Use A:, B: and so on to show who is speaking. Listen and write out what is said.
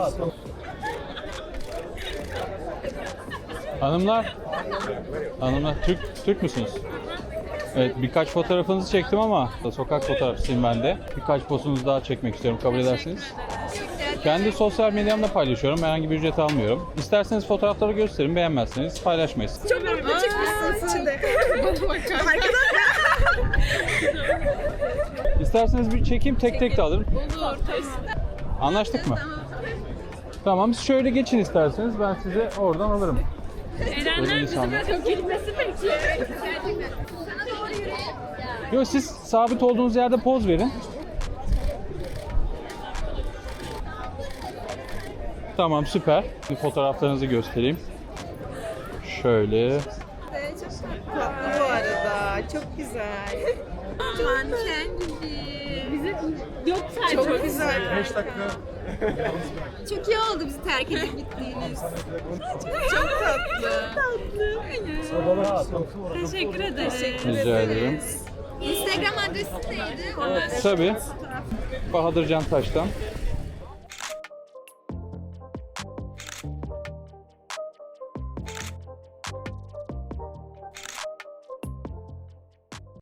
A: Hanımlar. Hanımlar, Türk müsünüz? Evet, birkaç fotoğrafınızı çektim ama sokak fotoğrafçısıyım ben de. Birkaç postunuzu daha çekmek istiyorum, kabul edersiniz. Kendi sosyal medyamda paylaşıyorum, herhangi bir ücret almıyorum. İsterseniz fotoğrafları gösterin, beğenmezseniz paylaşmayız.
B: Çok mutlu çıkmışsın içinde.
A: İsterseniz bir çekeyim, tek tek de alırım.
B: Olur.
A: Anlaştık mı? Tamam, siz şöyle geçin isterseniz, ben size oradan alırım.
B: Erenler bizi bırakıp gitmesi peki.
A: Yok, siz sabit olduğunuz yerde poz verin. Tamam, süper. Bir fotoğraflarınızı göstereyim. Şöyle.
C: Tatlı bu arada. Çok güzel.
B: Manken gibi. Bize yok sadece.
C: Çok güzel.
B: Çok iyi oldu bizi terk edip gittiğiniz.
C: Çok tatlı.
B: Teşekkür ederim.
A: Rica ederim.
B: Instagram adresi neydi?
A: Tabii. Bahadır Can Taş'tan.